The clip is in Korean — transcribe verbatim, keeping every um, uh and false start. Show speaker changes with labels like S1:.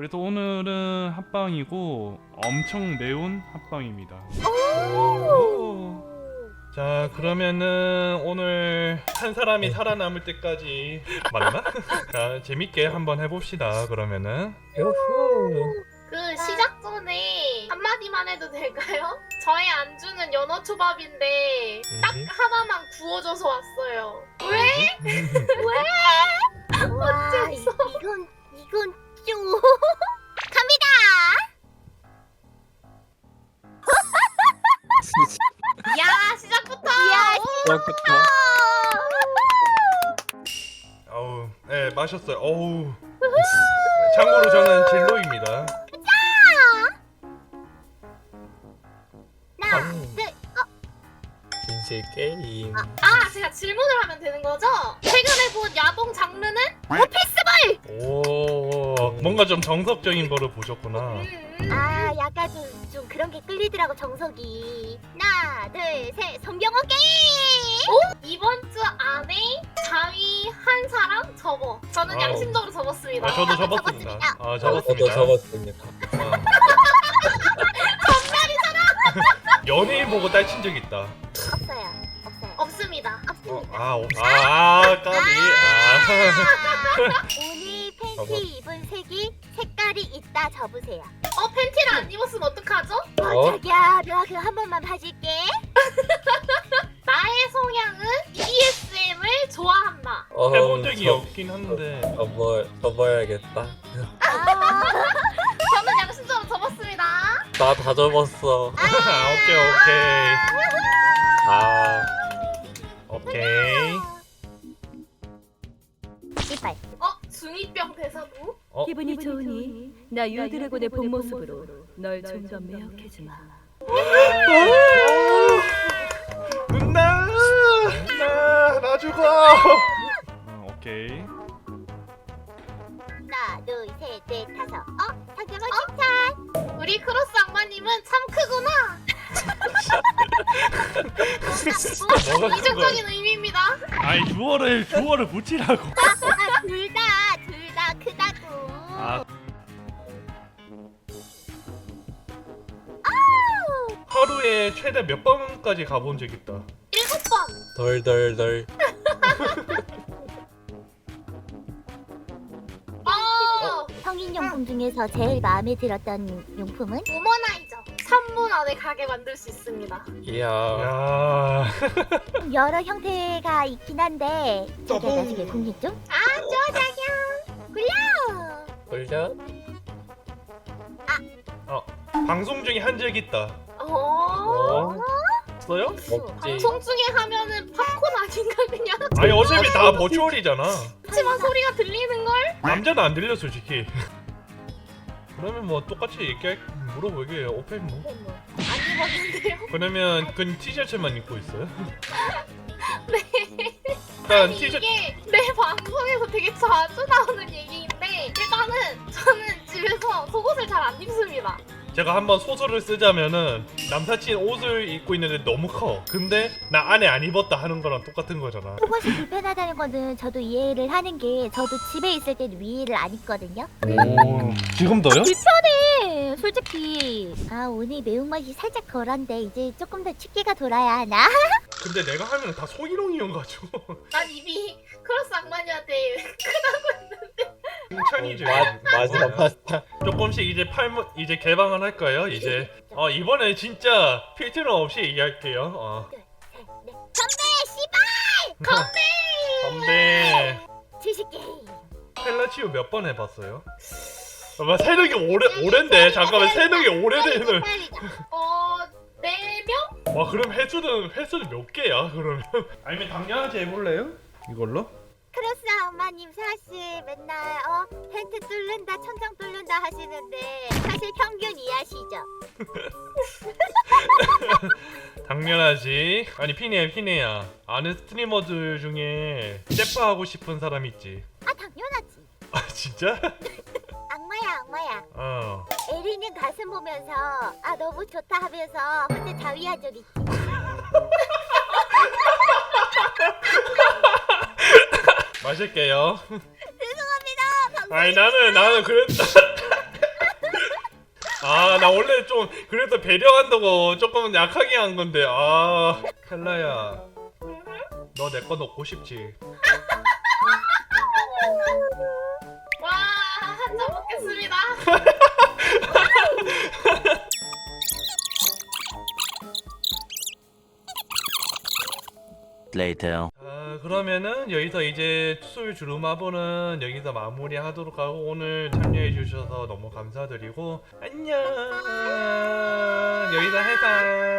S1: 그래서 오늘은 합방이고 엄청 매운 합방입니다.
S2: 오.
S3: 자, 그러면은 오늘 한 사람이 살아남을 때까지 맞나? 자, 재밌게 한번 해봅시다. 그러면은
S2: 요후.
S4: 그 시작 전에 한마디만 해도 될까요? 저의 안주는 연어 초밥인데 딱 하나만 구워줘서 왔어요. 왜?
S5: 와, 이,
S4: 어째서?
S5: 이건 이건 좀 갑니다.
S4: 야 시작부터!
S5: 야,
S2: 시작부터.
S3: 어우, 네, 마셨어요. 어우. 참고로 저는 진로입니다.
S5: 하나,
S2: 음.
S5: 둘,
S2: 진실 게임.
S4: 아 제가 질문을 하면 되는 거죠? 최근에 본 야동 장르는?
S3: 오, 뭔가 좀 정석적인 거를 보셨구나.
S4: 음, 음.
S5: 아, 약간 좀, 좀 그런 게 끌리더라고 정석이. 하나, 둘, 셋, 성경호 게임.
S4: 이번 주 안에 자위 한 사람 접어. 저는
S3: 아우.
S4: 양심적으로 접었습니다.
S3: 아, 저도 접었습니다.
S5: 접었습니다.
S3: 아,
S2: 저도
S3: 접었습니다.
S2: 접었습니다.
S3: 어. 연예인 보고 딸친 적 있다.
S5: 없어요, 없어요,
S4: 없습니다.
S3: 어,
S5: 없습니다.
S3: 아, 어, 아, 까비. 아.
S5: 오늘 팬티 입은 색이 색깔이 있다 접으세요.
S4: 어 팬티를 안 입었으면 어떡하죠?
S5: 어,
S2: 어?
S5: 자기야, 내가 그 한 번만 봐줄게.
S4: 나의 성향은 비디에스엠을 좋아한다.
S2: 어,
S3: 해본 적이
S2: 접-
S3: 없긴 한데.
S2: 접어 접어야겠다.
S5: 아,
S4: 저는 양심적으로 접었습니다.
S2: 나 다 접었어.
S3: 아, 오케이, 오케이.
S2: 아,
S3: 오케이.
S5: 이빨.
S4: 어 중이병 대사부?
S3: 어,
S6: 기분이 좋으니 나 유드래곤의 본 모습으로 널 좀 더 매혹해주마.
S3: 누나! 누나, 나 죽어!
S1: 어, 오케이.
S5: 하나, 둘, 셋, 넷, 다섯. 어, 상대방 칭찬.
S4: 우리 크로스 악마님은 참 크구나.
S3: 뭐가 큰
S4: 이중적인 의미입니다.
S1: 아이 주어를 주어를 붙이라고.
S5: 아, 둘 다, 둘 다 크다고.
S1: 아,
S3: 하루에 최대 몇 번까지 가본 적 있다.
S4: 일곱 번.
S2: 덜덜덜.
S4: 어
S5: 성인용품 중에서 제일 마음에 들었던 용품은?
S4: 우머나이저. 삼 분 안에 가게 만들 수 있습니다.
S2: 이야.
S3: 야,
S5: 여러 형태가 있긴 한데 자기가 나중에 공유 좀?
S4: 아 좋아 자기야.
S5: 굴려!
S2: 굴려?
S3: 방송 중에 한 적 있다.
S4: 어.
S2: 어?
S3: 없어요?
S2: 없지.
S4: 방송 중에 하면은 팝콘 아닌가 그냥?
S3: 아니, 어차피 다 버추얼이잖아.
S4: 그렇지만 소리가 들리는 걸?
S3: 남자는 안 들려, 솔직히. 그러면 뭐 똑같이 얘기할, 물어보게 오펜 뭐.
S4: 안 입었는데요.
S3: 그러면 그 티셔츠만 입고 있어요?
S4: 네.
S3: 일단
S4: 아니
S3: 티셔츠.
S4: 이게 내 방송에서 되게 자주 나오는 얘기인데 일단은 저는 집에서 속옷을 잘 안 입습니다.
S3: 제가 한번 소설을 쓰자면은 남사친 옷을 입고 있는데 너무 커. 근데 나 안에 안 입었다 하는 거랑 똑같은 거잖아.
S5: 속옷이 불편하다는 거는 저도 이해를 하는 게 저도 집에 있을 때는 위를 안 입거든요.
S1: 오, 지금도요?
S5: 네, 솔직히 아 오늘 매운맛이 살짝 덜한데 이제 조금 더 춥기가 돌아야 하나?
S3: 근데 내가 하면 다 소희롱이어가지고
S4: 난 입이 크로스 악마니한테
S3: 칭찬이지.
S2: 마, 맞아 맞다.
S3: 조금씩 이제 팔문 이제 개방을 할 거예요. 이제 어 이번에 진짜 필터는 없이 얘기할게요. 어.
S5: 네. 건배 씨발!
S3: 건배.
S5: 주식 게임.
S3: 펠라치오 몇 번 해봤어요? 아, 새벽이 오래 오랜데 잠깐만 새벽이 오래되는.
S4: 어네 명?
S3: 와 그럼 횟수는 횟수는 몇 개야 그러면? 아니면 당연하지 해볼래요? 이걸로?
S5: 크로스 엄마님 사실 맨날 어 텐트 뚫는다 천장 뚫는다 하시는데 사실 평균 이하시죠?
S3: 당연하지. 아니 피네 피네야. 아는 스트리머들 중에 셰프 하고 싶은 사람 있지.
S5: 아 당연하지.
S3: 아 진짜?
S5: 악마야 악마야.
S3: 어.
S5: 에리는 가슴 보면서 아 너무 좋다 하면서 혼자 자위한 적 있지.
S3: 마실게요.
S5: 죄송합니다. 방송
S3: 아니 나는 나는 그랬다. 아 나 원래 좀 그래도 배려한다고 조금 약하게 한 건데 아 켈라야 너 내 거 넣고 싶지?
S4: 와, 한 잔 먹겠습니다.
S7: Later.
S3: 아 그러면은 여기서 이제 술 주루마보는 여기서 마무리하도록 하고 오늘 참여해 주셔서 너무 감사드리고 안녕 여기서 해산